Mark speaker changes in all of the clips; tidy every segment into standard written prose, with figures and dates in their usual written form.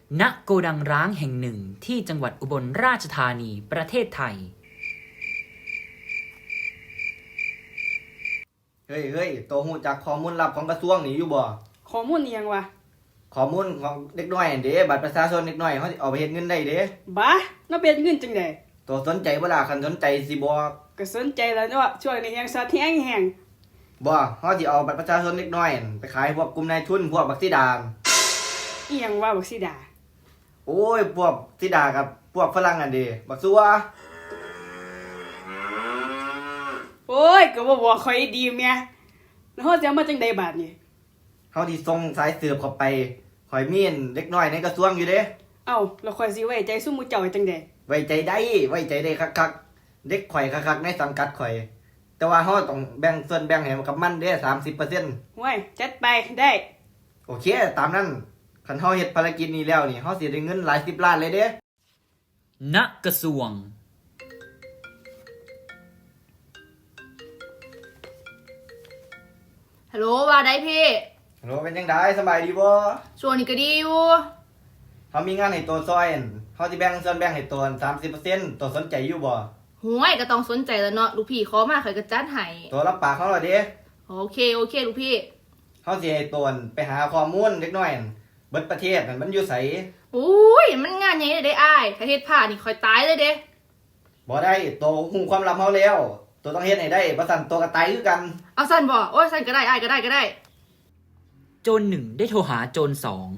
Speaker 1: ณโกดังร้างแห่งหนึ่งที่จังหวัดอุบลราชธานีประเทศไทย
Speaker 2: เฮ้ยโตหูจากข้อมูลลับของกระทรวงนี่อยู่บ่
Speaker 3: ข้อมูลอิหยังวะ
Speaker 2: ข้อมูลของเด็กน้อยเด้บัตรประชาชนเด็กน้อยเขาสิเอาไปเฮ็ดเงินได้เด้
Speaker 3: บ้าน่าเป็นเงินจังได๋
Speaker 2: ตัวสนใจบ่ล่ะคันสนใจสิบอก
Speaker 3: ก็สนใจแล้วเนาะช่วงนี้ยังสัตว์แห้ง
Speaker 2: บ่เฮาสิเอาบัตรประชาชนเด็กน้อยไปขายพวกกลุ่มนายทุนพวกบักสีดา
Speaker 3: อีหยังว่าบักสิดา
Speaker 2: โอ้ยพวกสีดากับพวกฝรั่งอันเด้บักซัว
Speaker 3: โอ้ยก็บ่บอกข่อยดีแม่แล้วเฮาสิเอามาจังได๋บาดนี้
Speaker 2: เฮาสิส่งสายสืบเข้าไปข่อยมีเด็กน้อยในกระทรวงอยู่เด้
Speaker 3: เอ้าแล้วข่อยสิไว้ใจซุมหมู่เจ้าจังได๋
Speaker 2: ไว้ใจได้คักๆเด็กข่อยคักๆในสังกัดข่อยแต่ว่าเฮาต้องแบ่งส่วนแบ่งให้กับมันเด้ 30%
Speaker 3: ห้วยจัดไปได้
Speaker 2: โอเคตามนั้นคันเฮาเฮ็ดภารกิจนี้แล้วนี่เฮาสิได้เงินหลาย10ล้านเลยเด้
Speaker 1: ณกระทรวง
Speaker 4: ฮัลโหลว่าได้พี่
Speaker 2: ฮัลโหลเป็นจังได๋สบายดีบ่
Speaker 4: ช่วงนี้ก็ดีอยู่
Speaker 2: เฮามีงานให้ตัวซอยเฮาสิแบ่งส่วนแบ่งให้ตัว 30% ตัวสนใจอยู่บ่
Speaker 4: ห่วยก็ต้องสนใจแล้วเนาะลูกพี่ขอมาข่อยก็จัดให้
Speaker 2: ตัวรับปากเฮาแล้วเด้
Speaker 4: โอเคลูกพี่
Speaker 2: เฮาสิให้ตัวไปหาข้อมูลเล็กน้อยเบิดประเทศนั่นมันอยู่ไส
Speaker 4: อุ้ยมันงานใหญ่ได้อ้ายถ้าเฮ็ดพลาดนี่ข่อยตายเลยเด้
Speaker 2: บ่ได้ตัวฮู้ความลับเฮาแล้วตัวต้องเฮ็ดให้ได้บ่ซั่นตัวก็ตายคือกัน
Speaker 4: เอาซั่นบ่โอ้ยซั่นก็ได้อ้ายก็ได้
Speaker 1: โจรหนึ่งได้โทรหาโจรสอง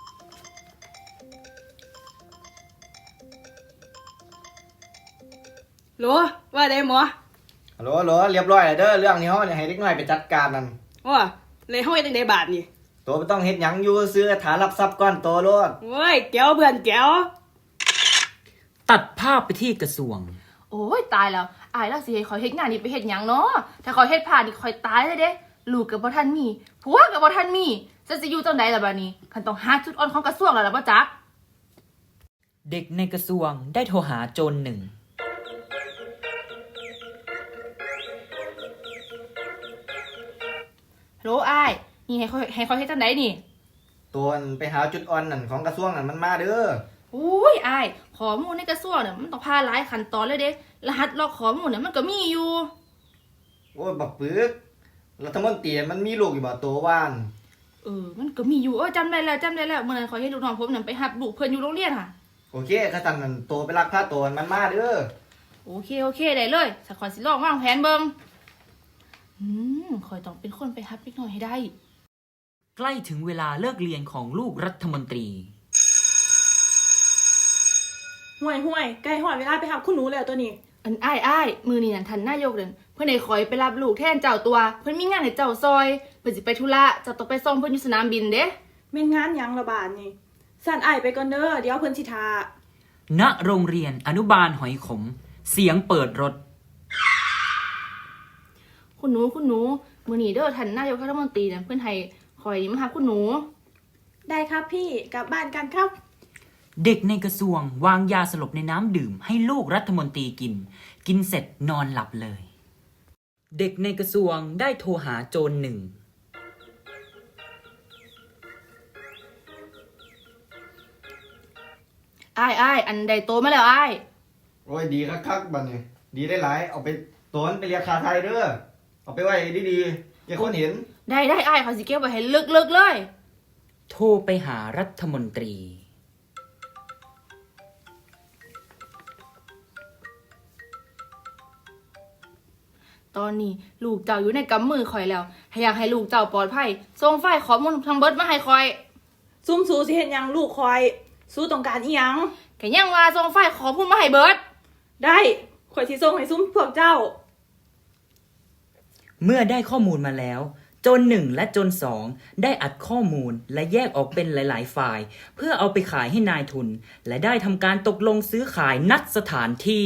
Speaker 3: โหลว่าได้หมอ
Speaker 2: ฮัลโหลเรียบร้อยแล้วเด้อเรื่องนี้เฮาให้เด็กน้อยไปจัดการนั่น
Speaker 3: ว่าเลยเฮาเฮ็ดจังได๋บาดนี้
Speaker 2: ตัวบ่ต้องเฮ็ดหยังอยู่ซื้อฐานรับทรัพย์ก่อนโตโลด
Speaker 3: โอ้ยแก้วเพื่อนแก้ว
Speaker 1: ตัดภาพไปที่กระทรวง
Speaker 4: โอ้ยตายแล้วอ้ายแล้วสิให้ข่อยเฮ็ดงานนี่ไปเฮ็ดหยังเนาะถ้าข่อยเฮ็ดพลาดนี่ข่อยตายเลยเด้ลูกก็บ่ทันมีผัวก็บ่ทันมีฉันสิอยู่จังได๋ล่ะบัดนี้คันต้องหาจุดอ่อนของกระทรวงแล้วล่ะบ่จ๊ะ
Speaker 1: เด็กในกระทรวงได้โทรหาโจรหนึ่ง
Speaker 4: ฮัลโหลอ้ายนี่ให้ข่อยเฮ็ดจังได๋นี่
Speaker 2: ตัวไปหาจุดอ่อนนั่นของกระทรวงนั่นมันมาเด้อ
Speaker 4: โอ้ยอ้ายข้อมูลในกระทรวงเนี่ยมันต้องผ่านหลายขั้นตอนเลยเด้รหัสล็อกข้อมูลเนี่ยมันก็มีอยู่
Speaker 2: โอ้ยบักปึกรัฐมนตรีมันมีลูกอยู่บ่ตัวว่าน
Speaker 4: มันก็มีอยู่จำได้แล้วเมื่อนั้นข่อยเฮ็ดลูกน้องผมนั่นไปรับลูกเพิ่นอยู่โรงเรียนค่ะ
Speaker 2: โอเคคันนั้นตัวไปลักพาตัวมันมาเด้อ
Speaker 4: โอเคได้เลยสักข่อยสิลองวางแผนเบิ่งข่อยต้องเป็นคนไปรับเด็กน้อยให้ได้
Speaker 1: ใกล้ถึงเวลาเลิกเรียนของลูกรัฐมนตรี
Speaker 3: ห่วยใกล้ฮอดเวลาไปรับคุณหนูแล้วตัวนี้
Speaker 4: อันอ้ายมื้อนี้นั่นท่านนายกนั่นเพิ่นให้ข่อยไปรับลูกแทนเจ้าตัวเพิ่นมีงานให้เจ้าซอยเพิ่นสิไปธุระเจ้าต้องไปส่งเพิ่นอยู่สนามบินเด้
Speaker 3: แม่นงานหยังละบาดนี่สั่นอ้ายไปก่อนเด้อเดี๋ยวเพิ่นสิท่า
Speaker 1: ณโรงเรียนอนุบาลหอยขมเสียงเปิดรถ
Speaker 4: คุณหนูมื้อนี้เด้อท่านนายกรัฐมนตรีนั่นเพิ่นให้ข่อยมาหาคุณหนู
Speaker 3: ได้ครับพี่กลับบ้านกันครับ
Speaker 1: เด็กในกระทรวงวางยาสลบในน้ำดื่มให้ลูกรัฐมนตรีกินเสร็จนอนหลับเลยเด็กในกระทรวงได้โทรหาโจรหนึ่ง
Speaker 4: อ้ายอันใดโตมาแล้วอ้าย
Speaker 2: โอ้ยดีคักๆบัดนี้ดีได้หลายเอาไปโตนไปเรียกค่าไทยเด้อเอาไปไว้ดีๆอย่าคนเห็น
Speaker 4: ได้อ้ายเขาสิเก็บไว้ให้ลึกๆเลย
Speaker 1: โทรไปหารัฐมนตรี
Speaker 4: ตอนนี้ลูกเจ้าอยู่ในกำมือข่อยแล้วอยากให้ลูกเจ้าปลอดภัยส่งไฟล์ข้อมูลทั้งเบิดมาให้ข่อย
Speaker 3: ซุ่มสูสิเฮ็ดหยังลูกข่อยสู้ต้องการอีหยัง
Speaker 4: ก็ยังว่าส่งไฟล์ข้อมูลมาให้เบิด
Speaker 3: ได้ข่อยสิส่งให้ซุ่มพวกเจ้า
Speaker 1: เมื่อได้ข้อมูลมาแล้วโจรหนึ่งและโจรสองได้อัดข้อมูลและแยกออกเป็นหลายๆฝ่ายเพื่อเอาไปขายให้นายทุนและได้ทำการตกลงซื้อขายนัดสถานที่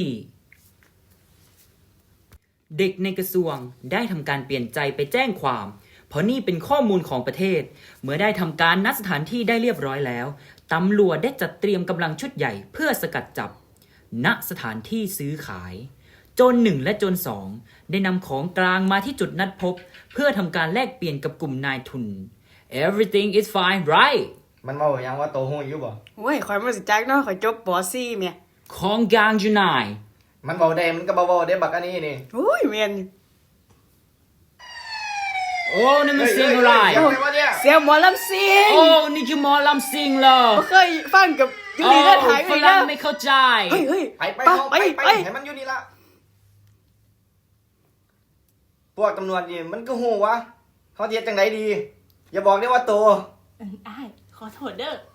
Speaker 1: เด็กในกระทรวงได้ทำการเปลี่ยนใจไปแจ้งความเพราะนี่เป็นข้อมูลของประเทศเมื่อได้ทำการนัดสถานที่ได้เรียบร้อยแล้วตำรวจได้จัดเตรียมกำลังชุดใหญ่เพื่อสกัดจับณสถานที่ซื้อขายโจรหนึ่งและโจรสองได้นำของกลางมาที่จุดนัดพบเพื่อทำการแลกเปลี่ยนกับกลุ่มนายทุน Everything is fine right
Speaker 2: มันเว้าหยังว่าโตฮู้อยู่บ่
Speaker 3: โอ้ยข่อยบ่สิจักเนาะข่อยจบป .4 แม่
Speaker 1: ของกลางอยู่ไหน
Speaker 2: มันเว้าได้มันก็บ่เว้าได้บักอันนี้นี่
Speaker 3: โอ้ยแม่น
Speaker 1: โอ้นี่มันเสียงอะไร
Speaker 2: เสียงอะไรวะเนี่ย
Speaker 3: เสียงหมอลำซิง
Speaker 1: โอ้นี่คือหมอลำซิงเหรอ
Speaker 3: บ่เคยฟังกับอยู่นี่เด้อถ่าย
Speaker 1: ฝ
Speaker 3: ไว้
Speaker 1: รั่
Speaker 3: เด้
Speaker 1: ง
Speaker 3: อ
Speaker 1: ไม่เข้าใจ
Speaker 3: เฮ้ยเฮ้ย
Speaker 2: ไป
Speaker 3: ไป
Speaker 2: เอาไป
Speaker 3: ไป
Speaker 2: ให้มันอยู่นี่ละพวกตำรวจนี่มันก็ฮู้วะเขาสิเฮ็ดจังไดดี อย่าบอกได้ว่าโต
Speaker 4: อ้ายขอโทษเด้อ